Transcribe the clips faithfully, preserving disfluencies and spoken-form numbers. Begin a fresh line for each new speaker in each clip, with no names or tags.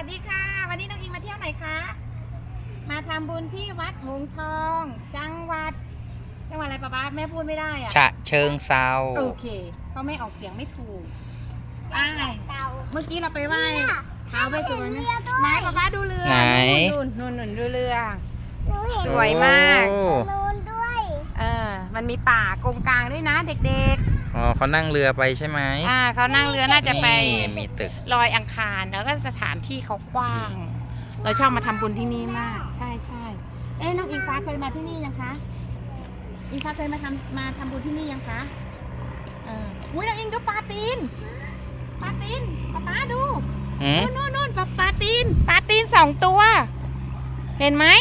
สดีค่ะวันนี้น้องอิงมาเที่ยวไหนคะมาทำบุญที่วัดหงส์ทองจังหวัดจังหวัดอะไรป๊าป๊าแม่พูดไม่ได้อะ
ฉะเชิงเซา
โอเคเพราะแม่ออกเสียงไม่ถูกอ่าเมื่อกี้เราไปไหว้ท้าวเวสสุวรรณไหนป๊าป๊าดูเรือ
ไหน
นู่นนู่นนู่นดูเรือสวยมากนู่นด้วยเออมันมีป่ากงกลางด้วยนะเด็กๆ
อ๋อเขานั่งเรือไปใช่ไหม
อ่าเขานั่งเรือน่าจะไป
มีตึก
ลอยอังคารแล้วก็สถานที่เขากว้างเราชอบมาทำบุญที่นี่มากใช่ใช่เอ๊ะน้องอิงฟ้าเคยมาที่นี่ยังคะอิงฟ้าเคยมาทำมาทำบุญที่นี่ยังคะเอออุ้ยน้องอิงดูปลาตีนปลาตีนป๊าป๊าดูนู่นนู่นนู่นปลาปลาตีนปลาตีนสองตัวเห็นไหม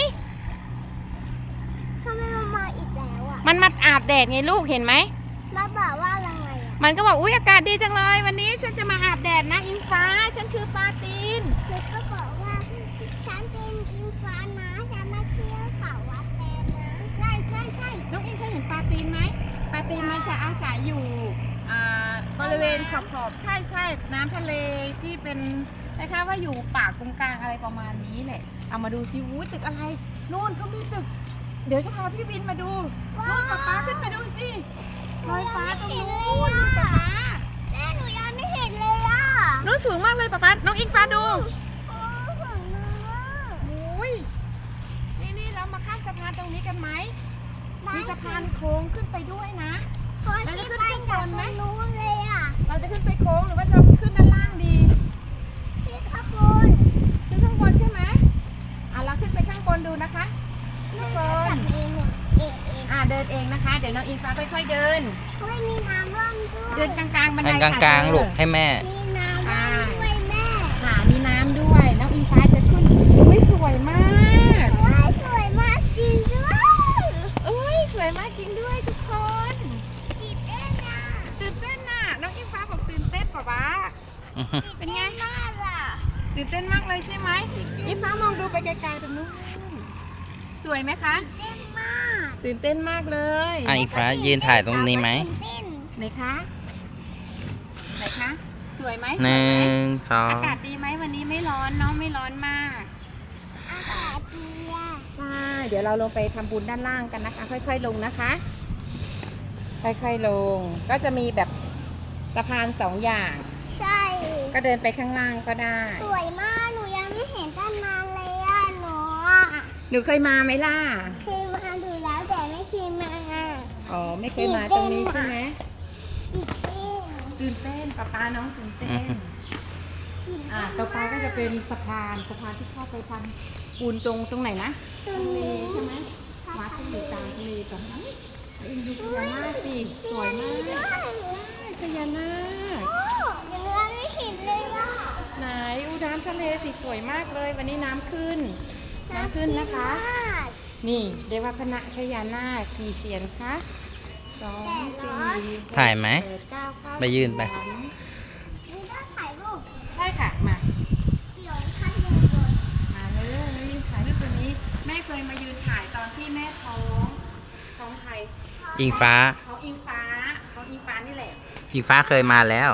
ทำไมมันมาอีกแล้วอ่ะ
มันมาอาบแดดไงลูกเห็นไหม
มาบอกว่าอะไรอ่ะ
มันก็บอกอุ้ยอากาศดีจังเลยวันนี้ฉันจะมาอาบแดดนะอิงฟ้าฉันคือปลาตีน
เด็กก็บอกว่าฉันเป็นอิงฟ้านะฉันมาเที่ยวเขาวัดแดงนะ
ใช่ใช่ใช่น้องอิงเคยเห็นปลาตีนไหมปลาตีนมันจะอาศัยอยู่อ่าบริเวณขอบขอบใช่ใช่น้ำทะเลที่เป็นคล้ายๆว่าอยู่ป่ากงกลางอะไรประมาณนี้แหละเอามาดูซิวู้ตึกอะไรนู่นเขามีตึกเดี๋ยวจะพาพี่วินมาดูนู่นป๊าป๊าขึ้นไปดูสิลอยฟ้าตรงนู้นนู่นป๊าป๊า
แม่หนูยังไม่เห็นเลยอ่ะ
นู้นสูงมากเลยป๊าป๊าน้องอิงฟ้าดู
โอ้สูงมาก
โอ้ยนี่นี่เรามาข้ามสะพานตรงนี้กันไหมมีสะพานโค้งขึ้นไปด้วยนะเราจะขึ้นข้างบนไหม
รู้เลยอ่ะ
เราจะขึ้นไปโค้งหรือว่าจะขึ้นด้านล่างดี
ที่ข้างบน
ขึ้นข้างบนใช่ไหมอ่ะเราขึ้นไปข้างบนดูนะคะข้างบน
เองเองเอง
อ่ะเดินเองนะคะเดี๋ยวน้องอิงฟ้าค่อยๆเดิน
เฮ้ยมีน้ำร่องด้วย
เดินกลางๆบันได
กลางกลางลูกให้แม่
มีน้ำร่องด้วยแม่
ค่ะมีน้ำด้วยน้องอิงฟ้าจะขึ้นไม่สวยมาก
โอ้ยสวยมากจริงด้วย
เอ้ยสวยมากจริงด้วยทุกคน
ตื่นเต้นอ่ะ
ตื่นเต้นน่ะน้องอิงฟ้าบอกตื่นเต้นป่ะป๊าเป็นไง
มากอ่ะ
ตื่นเต้นมากเลยใช่ไหมอิงฟ้ามองดูไปไกลๆตรงนู้นสวยไหมคะ
ตื่นเต้นมาก
ตื่นเต้นมากเลย
อ่ะอีกฟ้ายืนถ่ายตรงนี้ไหม
ไหนคะไหนคะสวยไหม
หนึ่งสอง
อากาศดีไหมวันนี้ไม่ร้อนเนาะไม่ร้อนมาก
อากาศดีอ่ะ
ใช่เดี๋ยวเราลงไปทำบุญด้านล่างกันนะคะค่อยๆลงนะคะค่อยๆลงก็จะมีแบบสะพานสองอย่าง
ใช่
ก็เดินไปข้างล่างก็ได้
สวยมากหนูยังไม่เห็นตั้งนานเลยอ่ะหนูอ่ะ
หนูเคยมาไหมล่ะ
เคยมาดูแล้วแต่ไม่เคยมา
อ๋อไม่เคยมาตรงนี้ใช่ไหมตื่นเต้นป๊าป๊าน้องตื่นเต้นอ่าต่อไปก็จะเป็นสะพานสะพานที่เข้าไปทำปูนตรงตรงไหนนะ
ตรงนี้
ใช่ไหมวัดที่อยู่กลางทะเลตรงนั้นดูพญานาคสิสวยมากพญานาค
ยังไม่เห็นเลยอ่ะ
ไหนอูน้ำทะเลสิสวยมากเลยวันนี้น้ำขึ้นน้ำขึ้นนะคะนี่เรียกว่าพระพญานาคกี่เสียนคะสองสี่
ถ่ายไหมไปยืนไป
มีได้ถ่ายรูป
ใช่ค่ะมา
เดี๋ยวถ่ายรูป
มาเลยถ่ายรูปตัวนี้แม่เคยมายืนถ่ายตอนที่แม่ท้องท้องใคร
อิงฟ้า
ท้องอิงฟ้าท้องอิงฟ้านี่แหละ
อิงฟ้าเคยมาแล้ว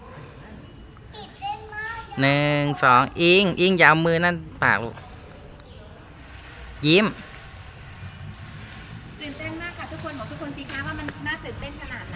หนึ่งสองอิงอิงอย่าเอามือนั่นปากลูกยิ้ม
ตื่นเต้นมากค่ะทุกคนบอกทุกคนสิคะว่ามันน่าตื่นเต้นขนาดไหน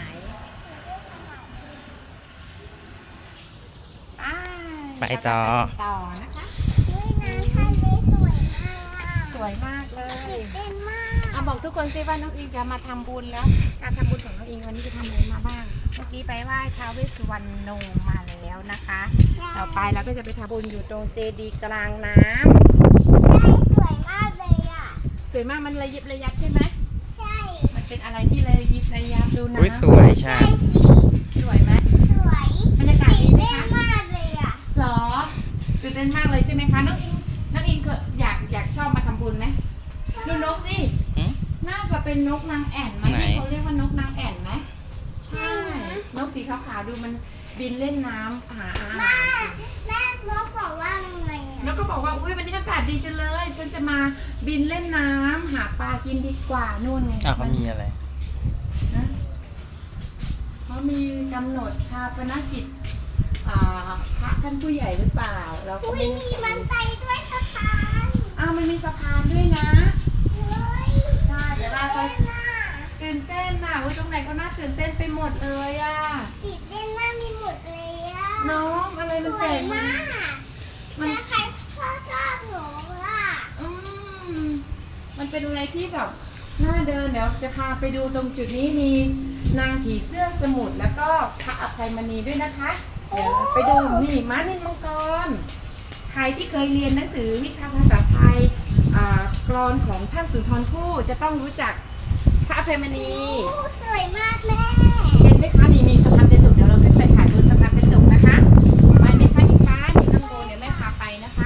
ไปต่อ
ต่อนะคะ
ด้วยน้ำทะเลสวยมาก
สวยมากเลย
ตื่นเต้นมาก
เอาบอกทุกคนสิว่าน้องอิงจะมาทำบุญแล้วการทำบุญของน้องอิงวันนี้จะทำอะไรมาบ้างเมื่อกี้ไปไหว้ท้าวเวสสุวรรณโนมาแล้วนะคะต่อไปเราก็จะไปทำบุญอยู่ตรงเจดีย์กลางน้
ำใช่สวยมากเลยอ่ะ
สวยมากมันระยิบระยับใช่ไหม
ใช่
มันเป็นอะไรที่ระยิบระยับดูนะ
สวยใช่
สวยไหม
สวย
บรรยากาศดีไหมคะ
ตื่นเต้นมากเลยอ่ะ
หรอตื่นเต้นมากเลยใช่ไหมคะน้องอิงน้องอิงเคยอยากอยากชอบมาทำบุญไหมดูนกสิน่าจะเป็นนกนางแอ่นไหมที่เขาเรียกว่านกนางแอ่นไหมใช่นกสีขาวๆดูมันบินเล่นน้ำหาอาหาร
แม่นกบอกว่าไง
นกก็บอกว่าอุ้ยวันนี้อากาศดีจังเลยฉันจะมาบินเล่นน้ำหาปลากินดีกว่านู่นไง
อ้าวเขามีอะไร
นะเขามีกำหนดชาปนกิจอ่าพระท่านผู้ใหญ่หรือเปล่า เราก็
อุ้ย
ไม่
มีบันไดด้วยสะพาน
อ้าวมันมีสะพานด้วยนะ
เฮ้ย
ใช่เดี๋ยวเราไป
เต้นน่ะ
ตื่นเต้นน่ะอุ้ยตรงไหนก็น่าตื่นเต้นไปหมดเลยอ่ะ
ติดเต้นน่ามีหมดเลยอ่ะ
น้องอะไร
ส
มัน
ว
แปล
ย
กมาม
าก ก
มัน
ถ้าใครพ่อชอบหนูอ่ะ
อืมมันเป็นอะไรที่แบบน่าเดินเดี๋ยวจะพาไปดูตรงจุดนี้มีนางผีเสื้อสมุทรแล้วก็พระอภัยมณีด้วยนะคะ เดี๋ยวไปดูนี่ม้านินมังกร ใครที่เคยเรียนหนังสือวิชาภาษาไทยอ่ากรอนของท่านสุนทรภู่จะต้องรู้จักพระอภัยมณี
โอ้สวยมากแม่
เห็นไหมคะนี่มีสะพานกระจกเดี๋ยวเราขึ้นไปถ่ายบนสะพานกระจกนะคะไปไหมคะอีกฟ้านี่ข้างบนเดี๋ยวแม่พาไปนะคะ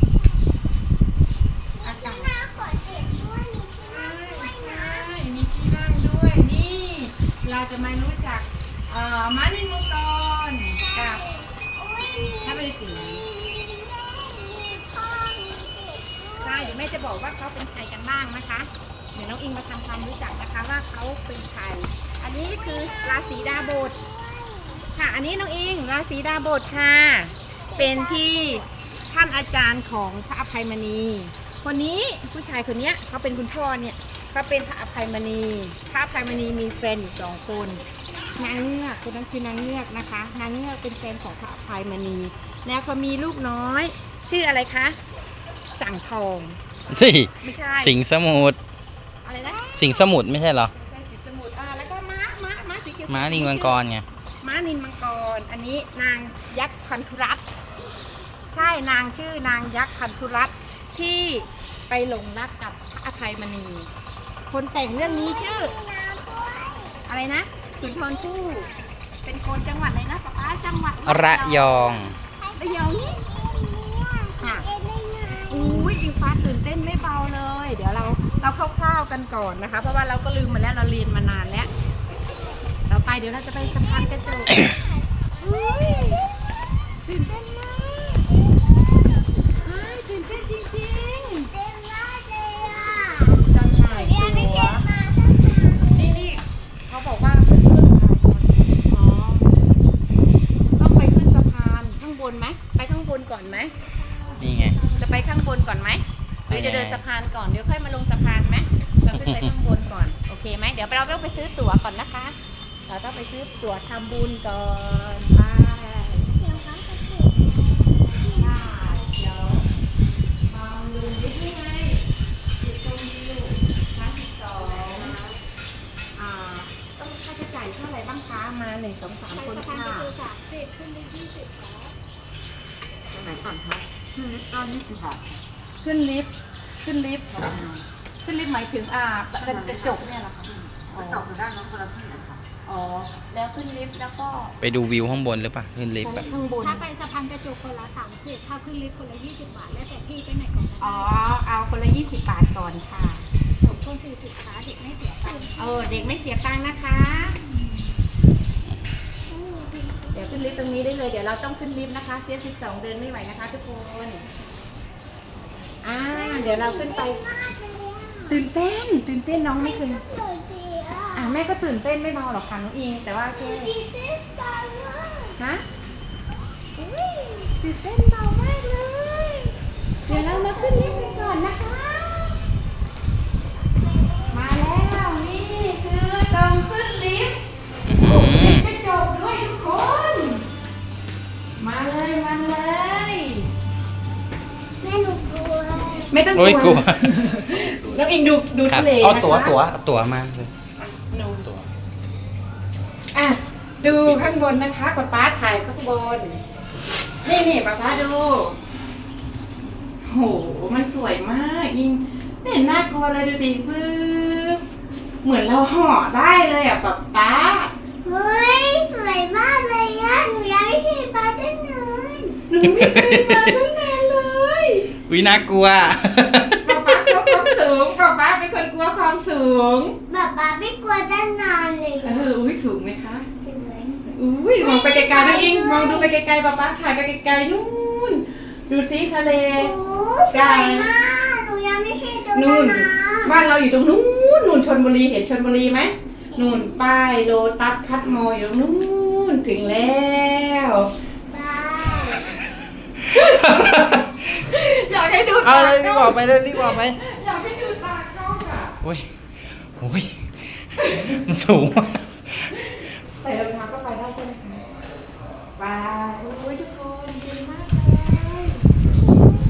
มีที่หน้าขอเด็ดด้วยมีที่หน้าด้วย
ใช่
นะ
มีที่นั่งด้วยนี่ เราจะมารู้จักเอ่อม้านินมังกรกับ
อุ้ยมี
พระฤาษี
มีแม่มีพ่อมีเด็กด้วย
ใช่เดี๋ยวแม่จะบอกว่าเขาเป็นใครกันบ้างนะคะ เดี๋ยวน้องอิงมาทำความรู้จักนะคะว่าเขาเป็นใคร อันนี้คือราศีดาบทค่ะ อันนี้น้องอิงราศีดาบทค่ะ เป็นที่ท่านอาจารย์ของพระอภัยมณี คนนี้ผู้ชายคนเนี้ยเขาเป็นคุณพ่อเนี่ยเขาเป็นพระอภัยมณี พระอภัยมณีมีแฟนอยู่สองคน นางเงือกคนนั้นคือนางเงือกนะคะ นางเงือกเป็นแฟนของพระอภัยมณี แล้วเขามีลูกน้อย ชื่ออะไรคะ สั่งทอง
สิ
ไม่ใช่
สิงห์สมุทร
อะไรนะ
สิงห์สมุทรไม่ใช่เหรอ
ไม่ใช่สีสมุทรอ่าแล้วก็ม้า ม้า ม้าสีเขียว
ม้านิงมังกรไง
ม้านินมังกร อันนี้นางยักษ์พันธุรัตน์ใช่นางชื่อนางยักษ์พันธุรัตน์ที่ไปหลงรักกับพระอภัยมณี คนแต่งเรื่องนี้ชื่อ
น้ำด้วย
อะไรนะ สุนทรภู่ เป็นคนจังหวัดอะไรนะป๊าป๊าจังหวัด
ระยอง
ระยอง
ค่ะเอ็นได้ไง
อุ้ยอิงฟ้าตื่นเต้นไม่เบาเลย เดี๋ยวเราเราคร่าวๆกันก่อนนะคะ เพราะว่าเราก็ลืมมาแล้วเราเรียนมานานแล้ว ต่อไปเดี๋ยวเราจะไปสะพานกระจกอุ้ยตื่นเต้นมากเฮ้ยตื่นเต้นจริง
เต็มมากเลยอ่ะ
ๆจำหน่าย
เรียนไม่
ตั๋ว
เก็บมาสักครั้ง
นี่นี่เขาบอกว่าขึ้นสะพานก่อนอ๋อต้องไปขึ้นสะพานข้างบนไหมไปข้างบนก่อนไหม
นี่ไง
จะไปข้างบนก่อนไหมหรือจะเดินสะพานก่อน เดี๋ยวค่อยมาลงสะพานไหมเราขึ้นไปข้างบนก่อน โอเคไหม เดี๋ยวเราต้องไปซื้อตั๋วก่อนนะคะ เราต้องไปซื้อตั๋วทำบุญก่อนไป
เดี๋ยวเขาจะถูก
ค่ะเดี๋ยวมองดูนิดนี่ไงจุดชมวิวชั้นที่สองอ่า ต้องค่าใช้จ่ายเท่าไหร่บ้างคะมาหนึ่งสองสามคน
สะพาน
ค่ะ
ประตูสามสิบขึ้นไปยี่สิบแล้ว
ตรงไหนก่อนคะขึ้นลิฟต์ตอนนี้สิค่ะขึ้นลิฟต์ขึ้นลิฟต์ค่ะขึ้นลิฟต์หมายถึงอ่าเป็นกระจกเนี่ยเหรอคะกระจกอยู่ด้านนั้นคนละที่นะคะอ๋อแล้วขึ้นลิฟต์แล้วก็
ไปดูวิวข้างบนหรือเปล่าขึ้นลิฟต์แบบ
ข้างบน
ถ้าไปสะพานกระจกคนละสามสิบถ้าขึ้นลิฟต์คนละยี่สิบบาท แล้วแต่พี่ไปไหนก่อนก็
อ๋อ
ได้
เอาคนละยี่สิบบาทก่อนค่ะ
สมคนสี่สิบขาเด็กไม่เสียตังค์
เออเด็กไม่เสียตังค์นะคะ เดี๋ยวขึ้นลิฟต์ตรงนี้ได้เลย เดี๋ยวเราต้องขึ้นลิฟต์นะคะเสียสิบสองเดินไม่ไหวนะคะทุกคนอ่าเดี๋ยวเราขึ้นไป
มากเลยอ่ะ
ตื่นเต้น ตื่นเต้นน้องไม่เคย
สวยดีอ่ะ
อ่ะแม่ก็ตื่นเต้นไม่เบาหรอกค่ะน้องอิง แต่ว่าแค่
ดีเต้นจังเลย
ฮะ
อุ้ย
ตื่นเต้นเบามากเลย เดี๋ยวเรามาขึ้นลิฟต์กันก่อนนะคะ มาแล้วนี่คือตรงขึ้นลิฟต์
อื้อหือก
ระจกด้วยทุกคน มาเลยมาเลย
แม่หนูกลัว
ไม่ต้อง
โอ้ยกลัว
น้องอิงดูดู
ครับ
ทะเล
เอา
นะคะ
ตั๋วตั๋วเอาตั๋วมา
ดูตัวอ่ะดูข้างบนนะคะป๊าป๊าถ่ายข้างบน นี่นี่ป๊าป๊าดูโหมันสวยมากอิงไม่เห็นน่ากลัวเลยดูดิปึ๊บเหมือนเราห่อได้เลยอ่ะป๊าป๊า
เฮ้ยสวยมากเลยอ่ะหนูยังไม่เคยมาตั้งนาน
หนูไม่เคยมาตั้งนานเลย
วิน่ากลัว
ป๊าป๊ากลัวความสูงป๊าป๊าเป็นคนกลัวความสูง
แบบป๊าไม่กลัวตั้งนานเลย
เอออุ้ยสูงไหมคะ
สวย
อุ้ยมองไปไกลๆนะอิงมองดูไปไกลๆป๊าป๊าถ่ายไปไกลๆนู่นดูสิทะเล
โอ้สวยมากหนูยังไม่เคยดู
นู่น
นะ
บ้านเราอยู่ตรงนู้นนู่นชลบุรีเห็นชลบุรีไหมนู่นป้ายโลตัสคัดมออยู่ตรงนู้นถึงแล้ว
ป๊า
อยากให้ดู
เอา
ตา
เลยรีบ
กล้
อ
อ
อง กไปเลยรีบออกไป
อยากให้ดูตากล้องอ่ะ
โอ้ยโอ้ยมันสูงมาก
ใส่รองเท้าก็ไปได้ใช่ไหมคะไปโอ้ยทุกคนดีมากเลย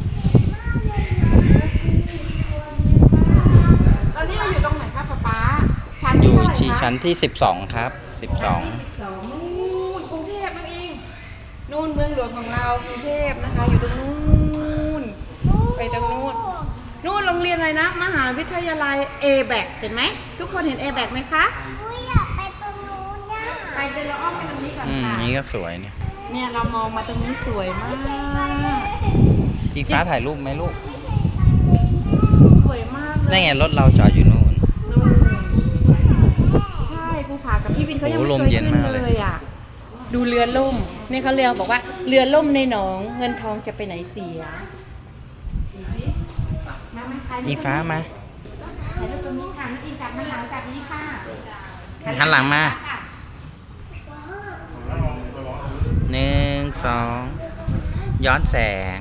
ตอนนี้เราอยู่ตรงไหนคะป๊าป๊าชั้น
อ
ที่
ยู่
เท่าไหร่
ที่
คะ
ชั้นที่สิบสองครับสิบสอง
สองนู่นกรุงเทพนั่นเองนู่นเมืองหลวงของเรากรุงเทพนะคะ อยู่ตรงนู้นไปตรงนู้นนู่นโรงเรียนอะไรนะ มหาวิทยาลัย เอ แบค เห็นไหมทุกคนเห็น เอ แบค ไหมคะ
อุ้ยอยากไปตรงนู้นน่ะ
ไปเดินเราอ้อมไปตรงนี้ก่อน
อืม
ค่ะ
นี่ก็สวยเนี่ย
เนี่ยเรามองมาตรงนี้สวยมาก
อีฟ้าถ่ายรูปไหมลูก
สวยมากเลย
ได้ไงรถเราจอดอยู่นู่น
นู่นใช่ภูผากับพี่วินเขายังไม่
โอ้โหลม
เคย
เย็น
ขึ้น
มากเลย
เลยอ่ะดูเรือล่มนี่เขาเรียกบอกว่าเรือล่มในหนองเงินทองจะไปไหนเสียดูสิมามาใคร
อีฟ้ามา
ถ่ายรูปตรงนี้ค่ะนักอินจับมันหลังจากนี้ค่ะ
หันหลังมา
ค่ะ
หนึ่งสองย้อนแสง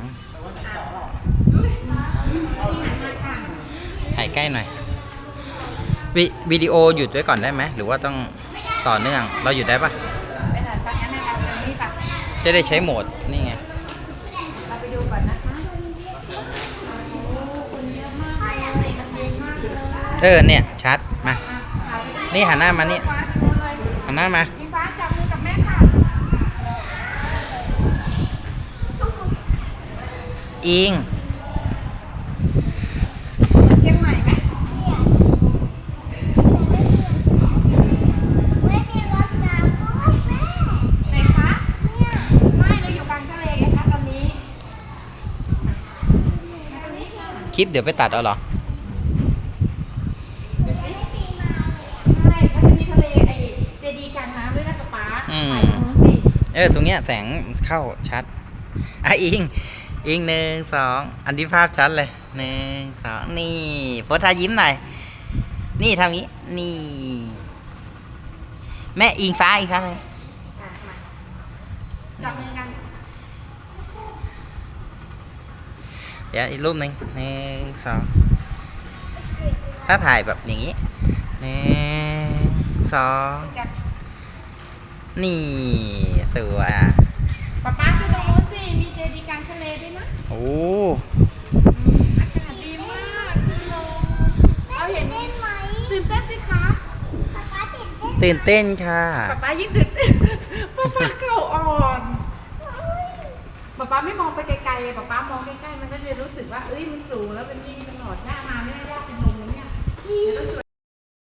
นี่หันมาค่ะ
ถ่ายใกล้หน่อยวิวิดีโอหยุดไว้ก่อนได้ไหมหรือว่าต้องต่อเนื่องเราหยุดได้ปะ
ไปถ่ายไปงั้นเอาตรงนี้ป่ะ
จะได้ใช้โหมดนี่ไง
เราไปดูก่อนนะคะโอ้คนเยอะมากเลยคนเยอะมากเลย
เออเนี่ยชัดมา
อ่ะถ่ายไปดิ
นี่หันหน้ามานี่
ฟ้าทำอะไร
หันหน้ามา
อิงฟ้าจับมือกับแม่ค่ะ
อิง
เชียงใหม่ไหม
ไม่มีรถน้ำด้วยแม่
ไหนคะไม่เราอยู่กลางทะเลไงคะตอนนี้มาตรงนี้ค่ะ
คลิปเดี๋ยวไปตัดเอาเหรอ
ดูสิใช่เขาจะมีทะเลไอ้เจดีย์กลางน้ำด้วยนะป๊าป๊า
อืม
ถ่ายตรงนู้นสิ
เออตรงเนี้ยแสงเข้าชัดอ่ะอิงอิงหนึ่งสองอันที่ภาพชัดเลยหนึ่งสองนี่โพสท่ายิ้มหน่อยนี่ทำงี้นี่ แม่อิงฟ้าอิงฟ้าเลย
อ่ะมาจับมือกัน
เดี๋ยวอีกรูปหนึ่งหนึ่งสองถ้าถ่ายแบบอย่างนี้หนึ่งสอง
จับ
นี่สวยอ่ะ
ป๊าป๊าดูตรงนู้นสิมีเจดีย์กลางทะเลด้วยนะ
โอ้
อากาศดีมากขึ้นลงเราเห็น
เต้นไหม
ตื่นเต้นสิคะ
ป๊าป๊าติดเต้น
ตื่นเต้นค่ะ
ป๊าป๊ายิ่งตื่นเต้นป๊าป๊าเข่าอ่อนป๊าป๊าไม่มองไปไกลๆป๊าป๊ามองใกล้ๆมันก็จะรู้สึกว่าเอ้ยมันสูงแล้วเป็นยิ่งตลอดหน้ามาไม่ได้